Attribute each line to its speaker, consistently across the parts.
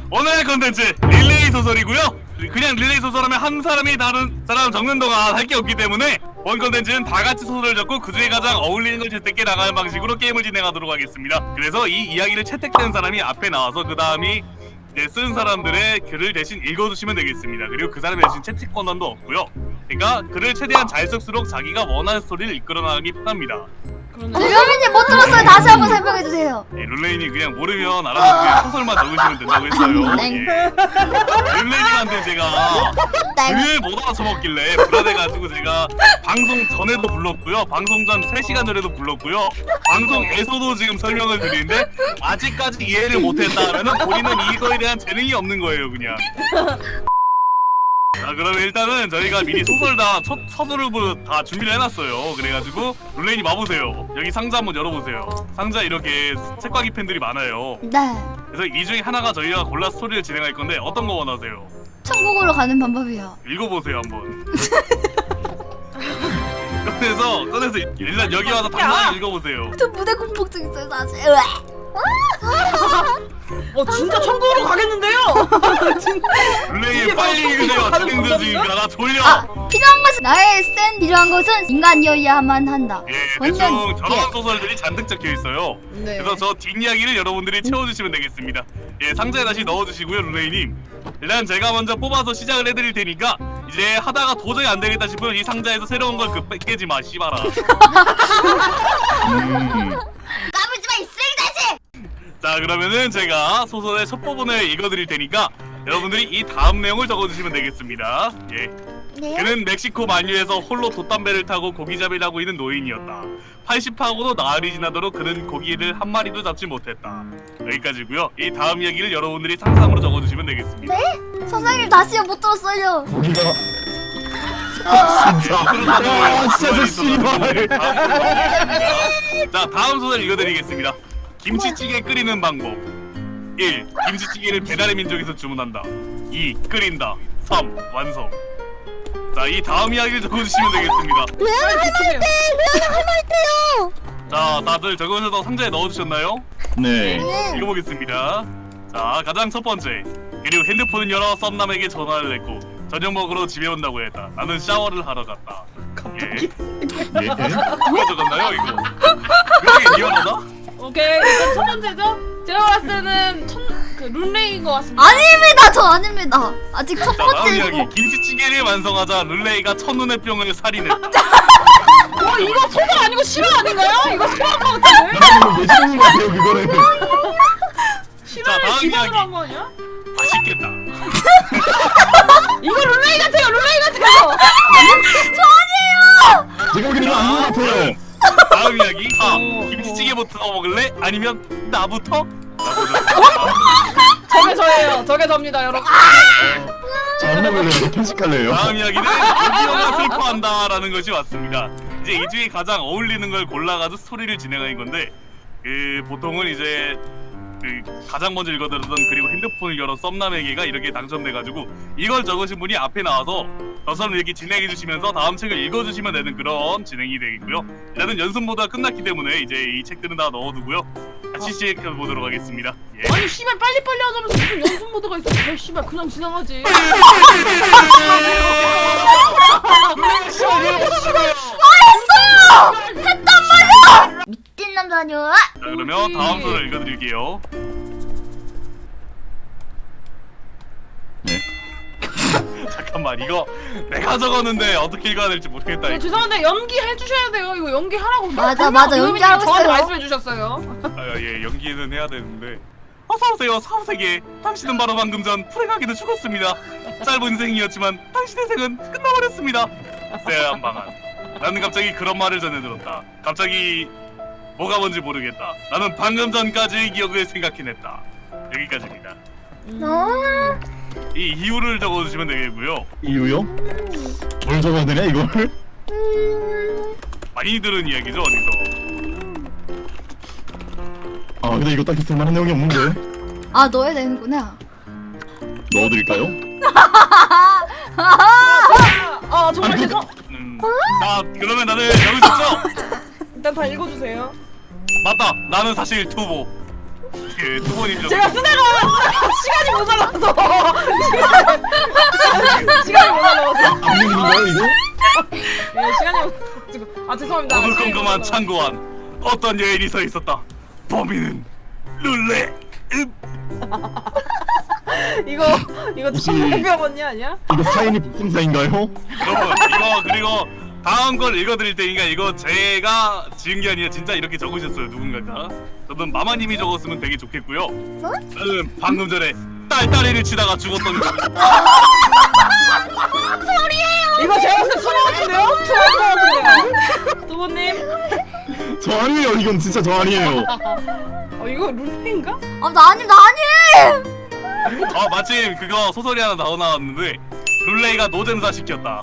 Speaker 1: 오늘의 컨텐츠 릴레이 소설이고요. 그냥 릴레이 소설하면 한 사람이 다른 사람 적는 동안 할 게 없기 때문에 본 컨텐츠는 다 같이 소설을 적고 그 중에 가장 어울리는 걸 채택해 나가는 방식으로 게임을 진행하도록 하겠습니다. 그래서 이 이야기를 채택된 사람이 앞에 나와서 그 다음이 쓴 사람들의 글을 대신 읽어주시면 되겠습니다. 그리고 그 사람이 대신 채택 권한도 없고요. 그러니까 글을 최대한 잘 쓸수록 자기가 원하는 스토리를 이끌어 나가기 편합니다.
Speaker 2: 류민님 못 들었어요. 다시 한번 설명해 주세요.
Speaker 1: 예, 룰레인이 그냥 모르면 알아서 그냥 소설만 적으시면 된다고 했어요.
Speaker 2: 네.
Speaker 1: 예. 룰레인한테 제가
Speaker 2: 네.
Speaker 1: 글 못 알아쳐먹길래 불안해가지고 제가 방송 전에도 불렀고요. 방송 전 3시간 전에도 불렀고요. 방송에서도 지금 설명을 드리는데 아직까지 이해를 못했다 하면은 본인은 이거에 대한 재능이 없는 거예요, 그냥. 자, 그러면 일단은 저희가 미리 소설 다 서두르고 다 준비를 해놨어요. 그래가지고 룰레인이 와보세요. 여기 상자 한번 열어보세요. 상자 이렇게 책과기 펜들이 많아요.
Speaker 2: 네.
Speaker 1: 그래서 이 중에 하나가 저희가 골라 스토리를 진행할 건데 어떤 거 원하세요?
Speaker 2: 천국으로 가는 방법이요.
Speaker 1: 읽어보세요 한번. 꺼내서 일단 여기 와서 당당히 읽어보세요.
Speaker 2: 저 무대 공포증 있어요 사실.
Speaker 3: 진짜 천국으로 가겠는데요?
Speaker 1: 룰레인 빨리 읽으세요. 진행자 중이니까 나 졸려.
Speaker 2: 필요한 것은 나의 센 필요한 것은 인간이어야만 한다.
Speaker 1: 예,
Speaker 2: 완전,
Speaker 1: 대충 저런
Speaker 2: 예.
Speaker 1: 소설들이 잔뜩 적혀 있어요.
Speaker 3: 네.
Speaker 1: 그래서 저 뒷이야기를 여러분들이 채워주시면 되겠습니다. 예, 상자에 다시 넣어주시고요, 룰레이님. 일단 제가 먼저 뽑아서 시작을 해드릴 테니까 이제 하다가 도저히 안 되겠다 싶으면 이 상자에서 새로운 걸 깨지 마, 씨발아.
Speaker 2: 까불지 마, 이 쓰레기다시!
Speaker 1: 자, 그러면은 제가 소설의 첫 부분을 읽어드릴 테니까 여러분들이 이 다음 내용을 적어주시면 되겠습니다. 예.
Speaker 2: 네.
Speaker 1: 그는 멕시코 만유에서 홀로 돛담배를 타고 고기잡이를 하고 있는 노인이었다. 80하고도 나흘이 지나도록 그는 고기를 한 마리도 잡지 못했다. 여기까지고요. 이 다음 이야기를 여러분들이 상상으로 적어주시면 되겠습니다.
Speaker 2: 네? 선생님 다시요, 못 들었어요.
Speaker 4: 고기가
Speaker 1: 진짜
Speaker 4: 씨발.
Speaker 1: 자, 다음 소설 읽어드리겠습니다. 김치찌개 끓이는 방법. 1. 김치찌개를 배달의 민족에서 주문한다. 2. 끓인다. 3. 완성. 자, 이 다음 이야기를 적어주시면 되겠습니다.
Speaker 3: 레아나
Speaker 2: 할말때요.
Speaker 1: 자, 다들 적어주셔서 상자에 넣어주셨나요?
Speaker 4: 네.
Speaker 1: 읽어보겠습니다. 자, 가장 첫 번째. 그리고 핸드폰을 열어 썸남에게 전화를 했고 저녁 먹으러 집에 온다고 했다. 나는 샤워를 하러 갔다. 예.
Speaker 4: 예.
Speaker 1: 누가 적었나요, 이거? 왜 이게 리얼하다?
Speaker 3: 오케이, 일단 첫 번째죠? 제가 봤을 때는 룬레이인 것 같습니다.
Speaker 2: 아닙니다, 저 아닙니다. 아직 첫
Speaker 1: 자, 다음
Speaker 2: 번째.
Speaker 1: 이야기. 김치찌개를 완성하자 룰레이가 첫눈의 병을 살인했다.
Speaker 3: 이거 소설 아니고 실화 아닌가요? 이거 실화인 것 같은데?
Speaker 4: 나는 예시인 것 같아요 그거는.
Speaker 3: 실화를
Speaker 1: 다음
Speaker 3: 기반으로
Speaker 1: 이야기.
Speaker 3: 한 거 아니야?
Speaker 1: 맛있겠다.
Speaker 3: 이거 룬레이 같아요, 룬레이 같아요!
Speaker 4: 제가 보기에는 안무 같아요.
Speaker 1: 다음 이야기. 4. 김치찌개부터 먹을래? 아니면 나부터?
Speaker 3: 저게 저예요, 저게 접니다, 여러분.
Speaker 4: 잘 먹을래요. 편식할래요.
Speaker 1: 다음 이야기는 오디오가 슬퍼한다라는 것이 왔습니다. 이제 이 중에 가장 어울리는 걸 골라가지고 스토리를 진행하는 건데 보통은 이제 가장 먼저 읽어드렸던 그리고 핸드폰을 열어 썸남에게가 이렇게 당첨돼가지고 이걸 적으신 분이 앞에 나와서 저 사람 얘기 진행해주시면서 다음 책을 읽어주시면 되는 그런 진행이 되겠고요. 일단은 연습 모드가 끝났기 때문에 이제 이 책들은 다 넣어두고요. 같이 시작해보도록 하겠습니다. 예.
Speaker 3: 아니, 씨발, 빨리빨리 하자면서 무슨 연습 모드가 있어. 왜 씨발, 그냥 지나가지.
Speaker 2: 미친 남자녀.
Speaker 1: 자, 그러면 다음 소를 읽어드릴게요.
Speaker 4: 네.
Speaker 1: 잠깐만, 이거 내가 적었는데 어떻게 읽어야 될지 모르겠다. 이거.
Speaker 3: 죄송한데 연기 해주셔야 돼요. 이거 연기하라고.
Speaker 2: 맞아,
Speaker 3: 유명인이
Speaker 2: 연기하고
Speaker 3: 저한테
Speaker 2: 있어요.
Speaker 3: 말씀해 주셨어요.
Speaker 1: 예, 연기는 해야 되는데. 어서오세요, 사후세계. 당신은 바로 방금 전 프레가기도 죽었습니다. 짧은 인생이었지만 당신의 생은 끝나버렸습니다. 쎄한 방안. 나는 갑자기 그런 말을 전해 들었다. 갑자기 뭐가 뭔지 모르겠다. 나는 방금 전까지의 기억을 생각해냈다. 여기까지입니다. 이 이유를 적어주시면 되겠고요.
Speaker 4: 이유요? 뭘 적어야 되냐 이걸?
Speaker 1: 많이 들은 이야기죠, 어디서.
Speaker 4: 아 근데 이거 딱히 쓸만한 내용이 없는데.
Speaker 2: 아, 넣어야 되는구나.
Speaker 4: 넣어드릴까요?
Speaker 3: 정말
Speaker 4: 아니,
Speaker 3: 죄송.
Speaker 1: 자, 그러면 다들 적으셨죠?
Speaker 3: 일단 다 읽어주세요.
Speaker 1: 맞다. 나는 사실 투보. 그 투보님
Speaker 3: 제가 쓰다가 시간이 모자라서 시간이 모자라서
Speaker 4: 악령인가요 이거?
Speaker 3: 예 시간이 모자라서 아 죄송합니다.
Speaker 1: 오늘
Speaker 3: 시간이
Speaker 1: 꼼꼼한
Speaker 3: 모자라서.
Speaker 1: 참고한 어떤 여인이 서 있었다. 범인은 룰레.
Speaker 3: 이거
Speaker 4: 혹시-
Speaker 3: 천명병 언니 아니야?
Speaker 4: 이거 사인이 복음사인가요?
Speaker 1: 여러분 이거 그리고 다음 걸 읽어드릴 테니까 이거 제가 지은 게 아니라 진짜 이렇게 적으셨어요 누군가가. 저는 마마님이 적었으면 되게 좋겠고요. 저는 방금 전에 딸딸이를 치다가 죽었던 거.
Speaker 3: 이거 제가 봤을 때 투모 같은데요? 투모 같은데요? 투모님?
Speaker 4: 저 아니에요. 이건 진짜 저 아니에요.
Speaker 3: 이거 룰레인가?
Speaker 2: 나 아님.
Speaker 1: 마침 그거 소설이 하나 나왔는데 룰레이가 노잼사 시켰다.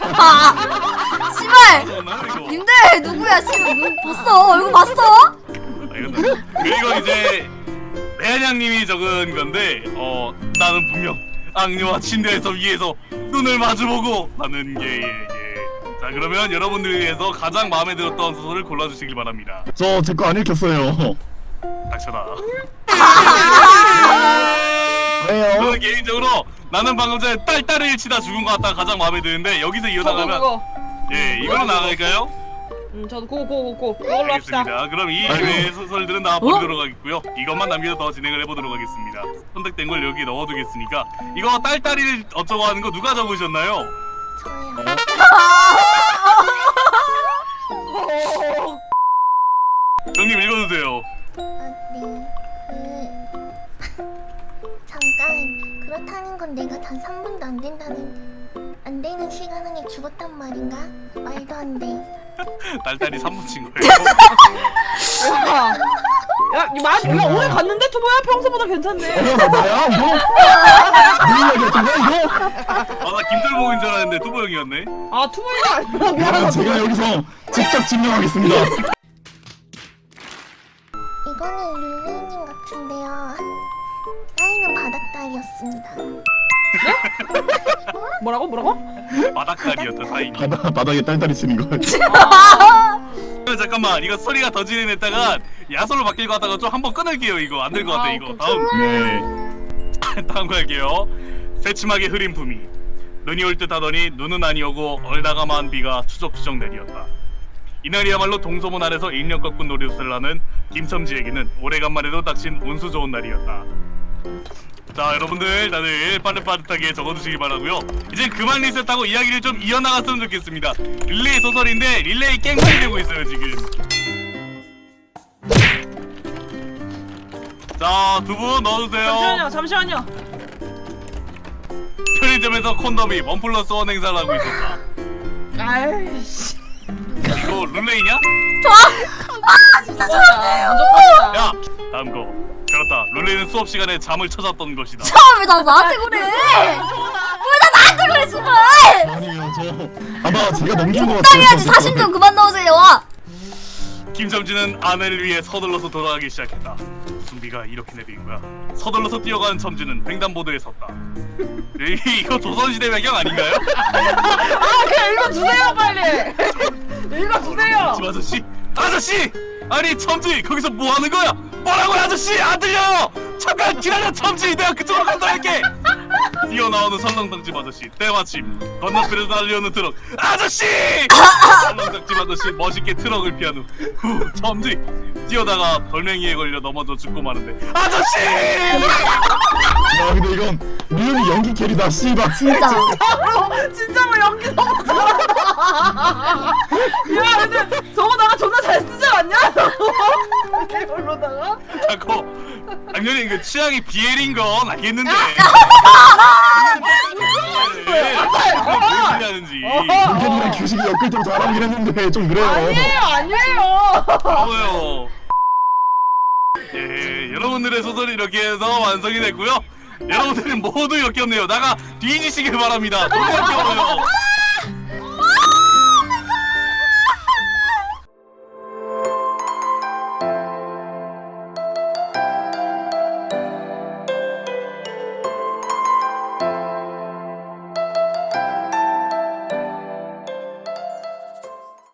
Speaker 2: 씨발.
Speaker 1: 맞나, 이거?
Speaker 2: 님들 누구야 씨발 눈 봤어 얼굴 봤어?
Speaker 1: 그리고 이제 레안양님이 적은 건데 나는 분명 악녀와 침대에서 위에서 눈을 마주보고 하는 게 자 그러면 여러분들 위해서 가장 마음에 들었던 소설을 골라주시길 바랍니다.
Speaker 4: 저 제 거 안 읽혔어요.
Speaker 1: 닥쳐라.
Speaker 4: 왜요?
Speaker 1: 저는 개인적으로 나는 방금 전에 딸딸이를 치다 죽은 것 같다가 가장 마음에 드는데 여기서 이어나가면
Speaker 3: 그거.
Speaker 1: 예 이걸로 나갈까요?
Speaker 3: 저도 그거 이걸로 합시다.
Speaker 1: 알겠습니다. 그럼 이
Speaker 4: 아이고.
Speaker 1: 외의 소설들은 다 버리도록 하겠고요. 이것만 남겨서 더 진행을 해보도록 하겠습니다. 선택된 걸 여기 넣어두겠으니까 이거 딸딸이를 어쩌고 하는 거 누가 적으셨나요?
Speaker 5: 저요.
Speaker 1: 형님 읽어주세요.
Speaker 5: 네. 잠깐. 그렇다는 건 내가 단 3분도 안 되는 시간 안에 죽었단 말인가? 말도 안 돼.
Speaker 1: 딸딸이 3분 친 거예요.
Speaker 3: 이거 오늘 갔는데 투모야 평소보다 괜찮네.
Speaker 4: 나야 이거? 무슨 얘기였던 거야 이거?
Speaker 1: 나 김돌복인 줄 알았는데 투보 형이었네.
Speaker 3: 아 투모가 아니라
Speaker 4: 그럼
Speaker 3: 미안하다.
Speaker 4: 제가 여기서 직접 증명하겠습니다.
Speaker 5: 이거는 룰레이님 같은데요. 사인은 바닥다리였습니다.
Speaker 3: 뭐라고?
Speaker 1: 바닥다리였다 사인이.
Speaker 4: 바닥에 딸딸이 치는 거.
Speaker 1: 잠깐만 이거 소리가 더 진행했다가 야소로 바뀔 것 같다가 좀 한번 끊을게요. 이거 안 될 것 같아 이거. 다음 거 할게요. 새침하게 흐린 품이 눈이 올 듯 하더니 눈은 아니오고 얼다가만 비가 추적추적 내리었다. 이날이야말로 동서문 아래서 인력 꺾은 놀이웃을 하는 김첨지에게는 오래간만에도 닥친 운수 좋은 날이었다. 자 여러분들 다들 빠릿빠릿하게 적어주시기 바라고요. 이제 그만 리셋하고 이야기를 좀 이어나갔으면 좋겠습니다. 릴레이 소설인데 릴레이 깽판이 되고 있어요 지금. 자 두 분 넣어주세요.
Speaker 3: 잠시만요.
Speaker 1: 편의점에서 콘돔이 1+1 행사를 하고 있었다.
Speaker 3: 아이씨.
Speaker 1: 이거 룰레이냐?
Speaker 3: 무조건이다.
Speaker 1: 야 다음 거. 그렇다. 룰레이는 수업 시간에 잠을 찾았던 것이다.
Speaker 2: 왜 나한테 그래? 왜 나한테 그래 씨발?
Speaker 4: 아니에요 저 아마 제가 넘긴 것 같아요.
Speaker 2: 적당해야지 사심 좀 그만 넣으세요.
Speaker 1: 김첨지는 아내를 위해 서둘러서 돌아가기 시작했다. 무슨 비가 이렇게 내리는 거야? 서둘러서 뛰어가는 첨지는 횡단보도에 섰다. 이거 조선시대 배경 아닌가요?
Speaker 3: 그냥 읽어주세요 빨리. 읽어주세요.
Speaker 1: 집 아저씨! 아저씨! 아니 첨지 거기서 뭐 하는 거야? 뭐라고요 아저씨! 안 들려요! 잠깐 기다려 첨지! 내가 그쪽으로 간다 할게! 뛰어나오는 설렁탕집 아저씨 때마침 건너편에서 달려오는 트럭 아저씨! 설렁탕집 아저씨 멋있게 트럭을 피한 후 첨지 뛰어다가 돌멩이에 걸려 넘어져 죽고 마는데 아저씨!
Speaker 4: 야 근데 이건 미연이 연기 캐리다 씨발.
Speaker 2: 진짜.
Speaker 3: 진짜로 연기 너무 잘한다. 야 근데 저거 나가 존나 잘 쓰지 않냐? 이걸로다가?
Speaker 1: 자꾸 당연히 그 취향이 비엘인 건 알겠는데 뭘 하는지
Speaker 4: 연기이랑 규식이 엮을 때 잘하긴 했는데 좀 그래요.
Speaker 3: 아니에요.
Speaker 1: bravo요. 예, 여러분들의 소설이 이렇게 해서 완성이 됐고요. 여러분들은 모두 역겹네요. 나가 뒤지시길 바랍니다. 너무 역겨워요.